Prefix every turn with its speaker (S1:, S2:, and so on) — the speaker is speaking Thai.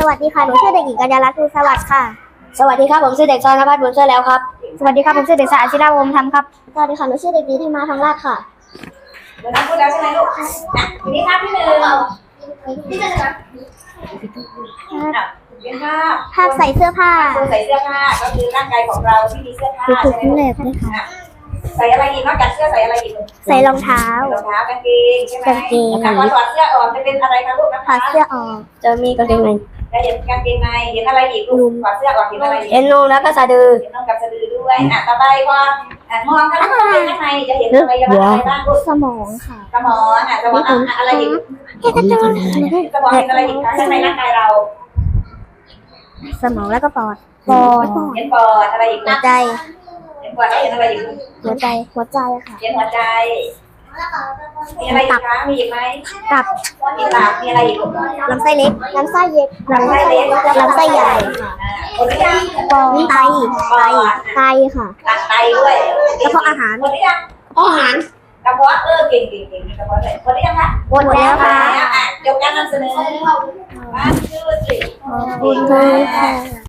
S1: วัสดีค่ะหนูชื่อเด็กหญิงกัญญาลัตน์ภูลสวัสดิ์ค่ะ
S2: สวัสดีครับผมชื่อเด็กชายนภัสบุญเชื่อแล้วครับ
S1: สวัสดีครับผมชื่อเด็กชายอาชิราวงศ์ธรรมครับสวัสดีค่ะหนูชื่อเด็กหญิงที่มาทองราชค่ะ
S3: เดี๋ยวนะพูดแล้วใช่ไหมลูกทีนี้ภาพที่หนึ่งเป็น
S1: ภาพใส่เสื้อผ้า
S3: ใส่เสื้อผ้าก็คือร่างกายของเราที่มีเสื้อผ้าใช่ไหมลูกใส่อะไรอีกนอกจากเสื้อใส่อะไรอีก
S1: ใส่รองเท้าร
S3: องเท้ากางเกงใช่ไหมพอถอดเสื้อออกจะเป็นอะไรคะลูกนะคะ
S1: ถอดเสื้อออก
S2: จะมีกางเกงใน
S3: จะเห็นกางเกงในเห็นอะไรอีกลูกถอดเสื้อออกเห็นอะไรอีก
S2: เห็นนมแล้วก็สะดือ
S3: เห็นน่องกับสะดือด้วยต่อไปพอมองข้างในจะเห็นอะไรบ้างลูก
S1: สมองค่ะ
S3: สมองสมองอะไรอีกสมองเห็นอะไรอีกคะข้างในร่างกายเรา
S1: สมองแล้วก็ปอด
S3: เห็นปอดอะไรอีก
S1: หัวใจ
S3: เห็นปอดแล้วเห็นอะไรอีก
S1: หัวใจค่ะ
S3: เห็นหัวใจมีอะไรอีกคะมีอีกไหม
S1: ตับ
S3: มีตับมีอะไรอีก
S1: ลำไส้เล็กลำไส้ใหญ่
S3: ลำไส้เล็ก
S1: ลำไส้ใหญ่
S3: หมดหรือยัง
S1: ไตค่ะ
S3: ไตด้วย
S1: แล้วก็อาหาร
S3: หมดหรือยัง
S1: อาหาร
S3: กระเพาะเก่งกระเพาะเลยหมดหรือยังคะ
S1: หมดแล้วค่ะ
S3: จบการนำเสนอบ้านชื่อสิ
S1: ขอบคุณค่ะ